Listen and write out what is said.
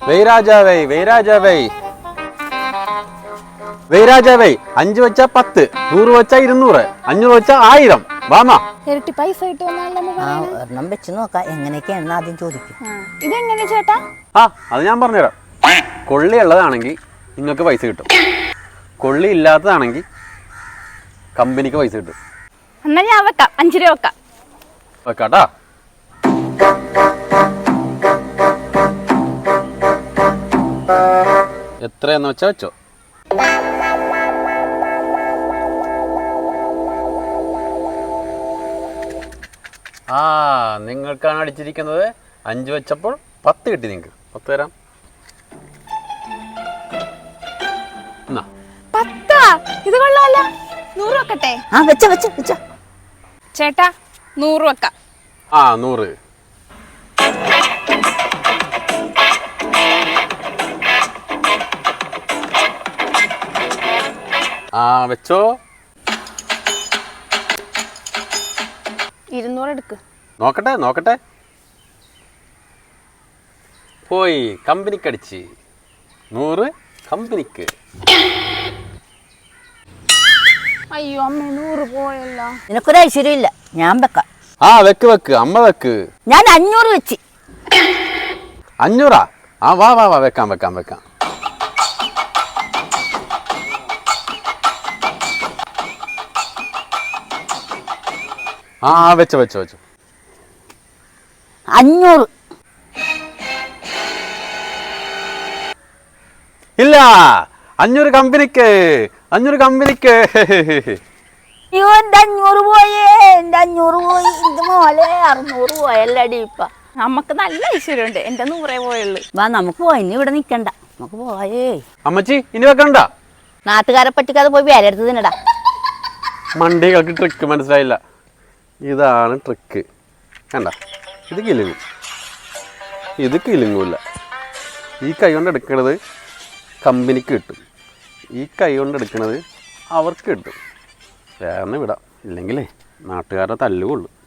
വെയ് രാജാവേ 5 വെച്ചാ 10, 100 വെച്ചാ 200, 500 വെച്ചാ 1000. വാമാ ഇരട്ടി പൈസ ഒരെണ്ണം വെച്ച് നോക്കാം എങ്ങനെയൊക്കെയാണെന്ന് ആദ്യം ചോദിക്കും. ഇതെങ്ങനെ ചേട്ടാ? അത് ഞാൻ പറഞ്ഞുതരാം. കൊള്ളി ഉള്ളതാണെങ്കിൽ നിങ്ങൾക്ക് പൈസ കിട്ടും, കൊള്ളി ഇല്ലാത്തതാണെങ്കിൽ കമ്പനിക്ക് പൈസ കിട്ടും. എന്നാ ഞാൻ വെക്കാം, 5 രൂപ വെക്കാം. വെക്കാട്ടാ. എത്രയെന്ന് വെച്ചാ വെച്ചോ. നിങ്ങൾക്കാണ് അടിച്ചിരിക്കുന്നത്. 5 വെച്ചപ്പോൾ 10 കിട്ടി. നിങ്ങൾക്ക് 10 തരാം. 10? ഇത് കൊള്ളാലോ. 100 വെക്കട്ടെ? വെച്ച ചേട്ടാ 100 വെക്കാം. 100. വെച്ചോ. 200 എടുക്ക്. നോക്കട്ടെ. പോയി കമ്പനിക്ക് അടിച്ച്. 100 കമ്പനിക്ക്. അയ്യോ അമ്മ, 100 പോയല്ലോ. നിനക്കൊരു ഐശ്വര്യം ഇല്ല, ഞാൻ വെക്കാം. വെക്ക് അമ്മ വെക്ക്. ഞാൻ 500 വെച്ച്. 500? വാ വെക്കാം. വെച്ചോ. 500 ഇല്ല. 500 കമ്പനിക്ക്. അയ്യോ, എന്റെ 500 പോയേ. എന്റെ 500 പോയി. ഇത് മോളെ 600 പോയല്ലടി. ഇപ്പൊ നമുക്ക് നല്ല ഐശ്വര്യമുണ്ട്. എന്റെ 100 പോയുള്ളു. വാ നമുക്ക് പോയി, ഇനി ഇവിടെ നിക്കണ്ട, നമുക്ക് പോയേ. അമ്മച്ചി ഇനി വെക്കണ്ട. നാട്ടുകാരെ പറ്റിക്കാതെ പോയി വേറെ എടുത്ത് തിന്നടാ. മണ്ടികൾക്ക് ട്രിക്ക് മനസ്സിലായില്ല. ഇതാണ് ട്രിക്ക്. കണ്ട, ഇത് കിലുങ്ങും, ഇത് കിലുങ്ങൂല. ഈ കൈ കൊണ്ട് എടുക്കണത് കമ്പനിക്ക് കിട്ടും, ഈ കൈ കൊണ്ട് എടുക്കണത് അവർക്ക് കിട്ടും. വേറെ വിടാം, ഇല്ലെങ്കിലേ നാട്ടുകാരുടെ തല്ലുകൊള്ളു.